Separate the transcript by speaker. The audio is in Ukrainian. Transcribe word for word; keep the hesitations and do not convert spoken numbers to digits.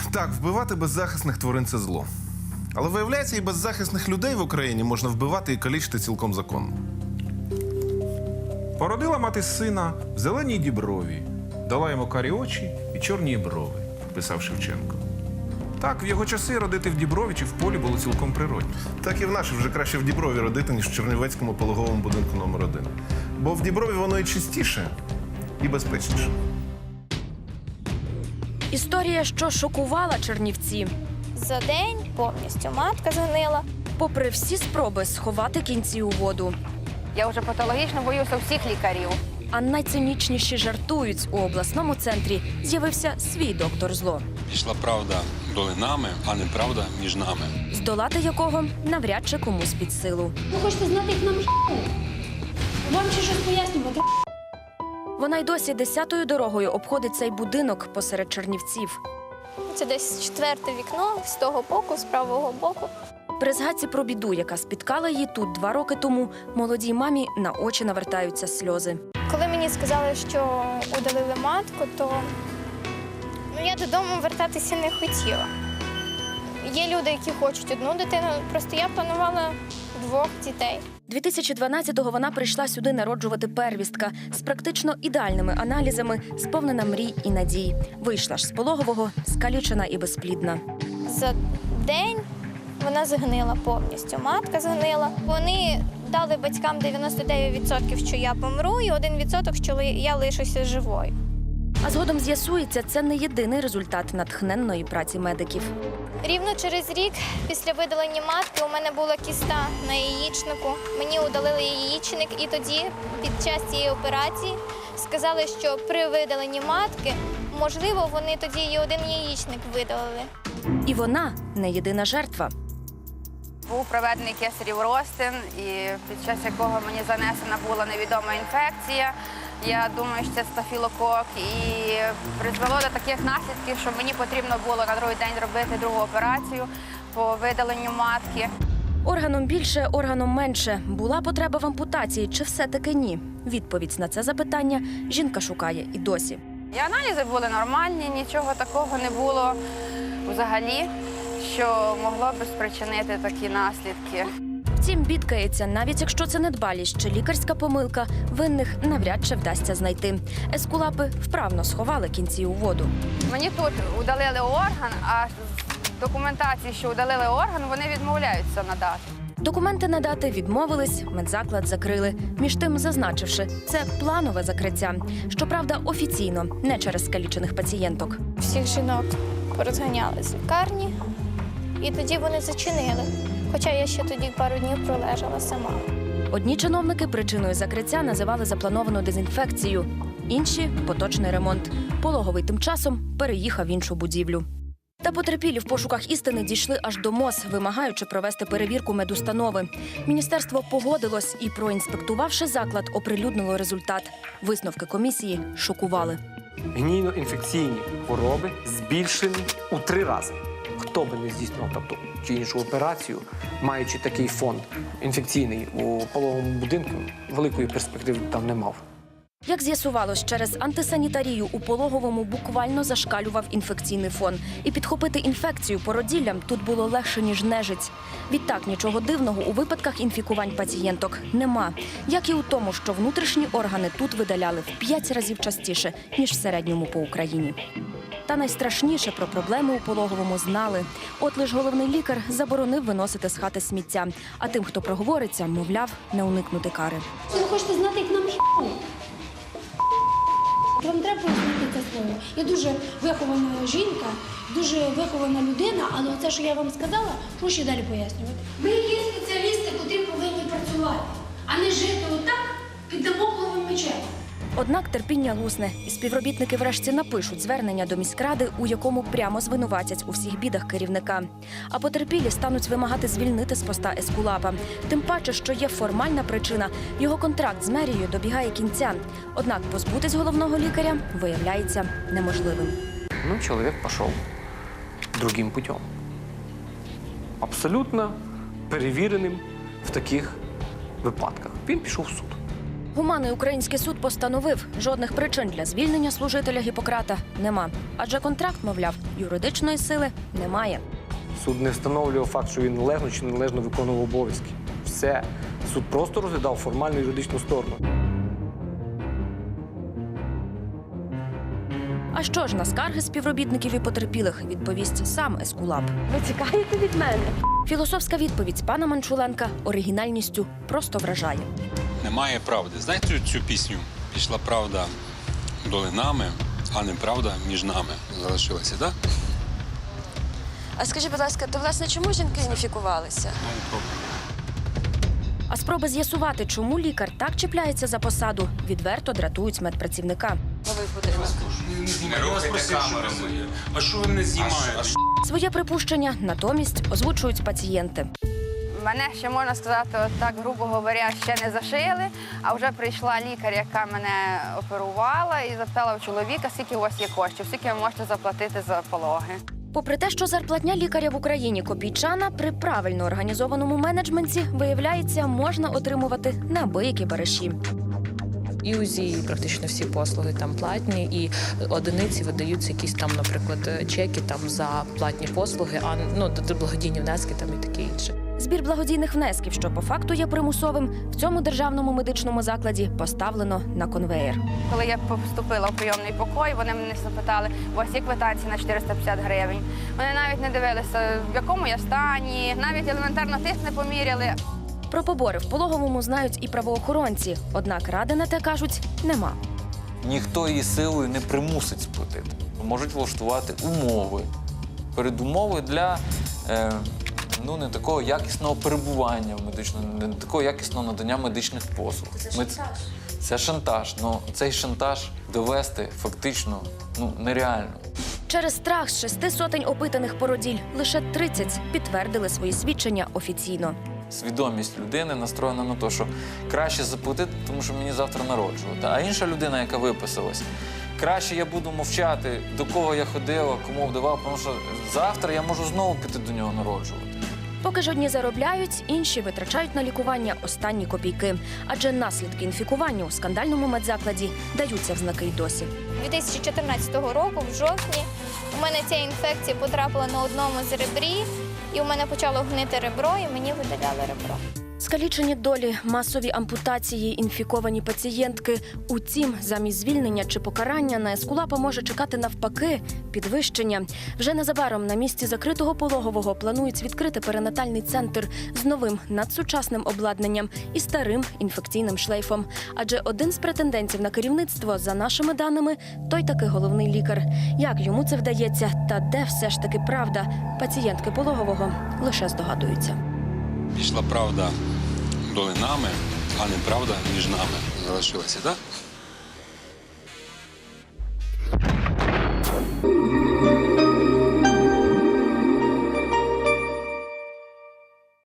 Speaker 1: Так, вбивати беззахисних тварин – це зло. Але виявляється, і беззахисних людей в Україні можна вбивати і калічити цілком законно.
Speaker 2: Породила мати сина в зеленій діброві, дала йому карі очі і чорні брови, писав Шевченко. Так, в його часи родити в Діброві чи в полі було цілком природно.
Speaker 1: Так і в наші вже краще в Діброві родити, ніж в Чернівецькому пологовому будинку номер один. Бо в Діброві воно і чистіше, і безпечніше.
Speaker 3: Історія, що шокувала чернівці.
Speaker 4: За день повністю матка згнила.
Speaker 3: Попри всі спроби сховати кінці у воду.
Speaker 5: Я вже патологічно боюся всіх лікарів.
Speaker 3: А найцинічніші жартують. У обласному центрі з'явився свій доктор зло,
Speaker 6: Пішла правда долинами, а не правда між нами.
Speaker 3: здолати якого навряд чи комусь під силу.
Speaker 7: Ви хочете знати, як нам х**ли? Вам ще щось пояснювати?
Speaker 3: Вона й досі десятою дорогою обходить цей будинок посеред Чернівців.
Speaker 4: Це десь четверте вікно з того боку, з правого боку.
Speaker 3: При згадці про біду, яка спіткала її тут два роки тому, молодій мамі на очі навертаються сльози.
Speaker 4: Коли мені сказали, що удалили матку, то ну, я додому вертатися не хотіла. Є люди, які хочуть одну дитину, просто я планувала двох дітей.
Speaker 3: дві тисячі дванадцятого вона прийшла сюди народжувати первістка з практично ідеальними аналізами, сповнена мрій і надій. Вийшла ж з пологового, скалічена і безплідна.
Speaker 4: За день вона згнила повністю, матка згнила. Вони дали батькам дев'яносто дев'ять відсотків, що я помру, і один відсоток, що я лишуся живою.
Speaker 3: А згодом з'ясується, це не єдиний результат натхненної праці медиків.
Speaker 4: Рівно через рік після видалення матки у мене була кіста на яєчнику. Мені удалили яєчник, і тоді, під час цієї операції, сказали, що при видаленні матки, можливо, вони тоді і один яєчник видалили.
Speaker 3: І вона не єдина жертва.
Speaker 5: Був проведений кесарів розтин, і під час якого мені занесена була невідома інфекція. Я думаю, що це стафілокок, і призвело до таких наслідків, що мені потрібно було на другий день робити другу операцію по видаленню матки.
Speaker 3: Органом більше, органом менше. Була потреба в ампутації чи все-таки ні? Відповідь на це запитання жінка шукає і досі.
Speaker 5: І аналізи були нормальні, нічого такого не було взагалі, що могло би спричинити такі наслідки.
Speaker 3: Втім, бідкається, навіть якщо це недбалість чи лікарська помилка, винних навряд чи вдасться знайти. Ескулапи вправно сховали кінці у воду.
Speaker 5: Мені тут удалили орган, а з документації, що удалили орган, вони відмовляються надати.
Speaker 3: Документи надати відмовились, медзаклад закрили. Між тим зазначивши, це планове закриття. Щоправда, офіційно, не через скалічених пацієнток.
Speaker 4: Всіх жінок порозганяли з лікарні, і тоді вони зачинили. Хоча я ще тоді пару днів пролежала сама.
Speaker 3: Одні чиновники причиною закриття називали заплановану дезінфекцію, інші – поточний ремонт. Пологовий тим часом переїхав в іншу будівлю. Та потерпілі в пошуках істини дійшли аж до МОЗ, вимагаючи провести перевірку медустанови. Міністерство погодилось і, проінспектувавши заклад, оприлюднило результат. Висновки комісії шокували.
Speaker 8: Гнійно-інфекційні хвороби збільшені у три рази. Хто би не здійснював тобто, чи іншу операцію, маючи такий фон інфекційний у пологовому будинку, великої перспективи там не мав.
Speaker 3: Як з'ясувалось, через антисанітарію у пологовому буквально зашкалював інфекційний фон. І підхопити інфекцію породіллям тут було легше, ніж нежить. Відтак, нічого дивного у випадках інфікувань пацієнток нема. Як і у тому, що внутрішні органи тут видаляли в п'ять разів частіше, ніж в середньому по Україні. Та найстрашніше про проблеми у пологовому знали. От лиш головний лікар заборонив виносити з хати сміття. А тим, хто проговориться, мовляв, не уникнути кари.
Speaker 7: Ви хочете знати, як нам х**ли? Вам треба пояснити це слово. Я дуже вихована жінка, дуже вихована людина, але оце, що я вам сказала, що ще далі пояснювати? Ми є спеціалісти, котрі повинні працювати, а не жити отак під дамокловим мечем.
Speaker 3: Однак терпіння лусне, і співробітники врешті напишуть звернення до міськради, у якому прямо звинуватять у всіх бідах керівника. А потерпілі стануть вимагати звільнити з поста ескулапа. Тим паче, що є формальна причина – його контракт з мерією добігає кінця. Однак позбутись головного лікаря виявляється неможливим.
Speaker 8: Ну, чоловік пішов другим путем. Абсолютно перевіреним в таких випадках. Він пішов в суд.
Speaker 3: Гуманний український суд постановив, жодних причин для звільнення служителя Гіппократа нема. Адже контракт, мовляв, юридичної сили немає.
Speaker 8: Суд не встановлював факт, що він належно чи неналежно виконував обов'язки. Все. Суд просто розглядав формальну юридичну сторону.
Speaker 3: А що ж на скарги співробітників і потерпілих відповість сам Ескулап? Ви тікаєте від мене? Філософська відповідь пана Манчуленка оригінальністю просто вражає.
Speaker 6: Немає правди. Знаєте цю пісню? Пішла правда долинами, а неправда між нами залишилася, так?
Speaker 9: А скажіть, будь ласка, то власне чому жінки уніфікувалися?
Speaker 3: А спроби з'ясувати, чому лікар так чіпляється за посаду, відверто дратують медпрацівника.
Speaker 9: Новий будинок.
Speaker 6: А що ви не знімаєте?
Speaker 3: Своє припущення натомість озвучують пацієнти.
Speaker 5: Мене ще, можна сказати, от так, грубо говоря, ще не зашили, а вже прийшла лікар, яка мене оперувала, і запитала у чоловіка, скільки у вас є коштів, скільки ви можете заплатити за пологи.
Speaker 3: Попри те, що зарплатня лікаря в Україні копійчана, при правильно організованому менеджменті, виявляється, можна отримувати неабиякі бариші.
Speaker 10: І УЗІ, і практично всі послуги там платні, і одиниці видаються якісь там, наприклад, чеки там за платні послуги, а ну благодійні внески там і таке інше.
Speaker 3: Збір благодійних внесків, що по факту є примусовим, в цьому державному медичному закладі поставлено на конвеєр.
Speaker 5: Коли я поступила в прийомний покой, вони мене запитали, у вас є квитанції на чотириста п'ятдесят гривень. Вони навіть не дивилися, в якому я стані, навіть елементарно тиск не поміряли.
Speaker 3: Про побори в пологовому знають і правоохоронці, однак ради на те, кажуть, нема.
Speaker 11: Ніхто її силою не примусить сплатити. Можуть влаштувати умови, передумови для е, ну, не такого якісного перебування в медичному, не такого якісного надання медичних послуг.
Speaker 9: Це шантаж.
Speaker 11: Ми, це шантаж. Ну, цей шантаж довести фактично ну, нереально.
Speaker 3: Через страх з шести сотень опитаних породіль лише тридцять підтвердили свої свідчення офіційно.
Speaker 11: Свідомість людини настроєна на те, що краще заплатити, тому що мені завтра народжувати. А інша людина, яка виписалась, краще я буду мовчати, до кого я ходила, кому вдавав, тому що завтра я можу знову піти до нього народжувати.
Speaker 3: Поки ж одні заробляють, інші витрачають на лікування останні копійки. Адже наслідки інфікування у скандальному медзакладі даються в знаки й досі.
Speaker 4: дві тисячі чотирнадцятого року, в жовтні, у мене ця інфекція потрапила на одному з ребрів, і у мене почало гнити ребро, і мені видаляли ребро.
Speaker 3: Скалічені долі, масові ампутації, інфіковані пацієнтки. Утім, замість звільнення чи покарання на Ескулапа може чекати навпаки підвищення. Вже незабаром на місці закритого пологового планують відкрити перинатальний центр з новим надсучасним обладнанням і старим інфекційним шлейфом. Адже один з претендентів на керівництво, за нашими даними, той таки головний лікар. Як йому це вдається та де все ж таки правда, пацієнтки пологового лише здогадуються.
Speaker 6: Пішла правда долинами, а неправда між нами залишилася, так?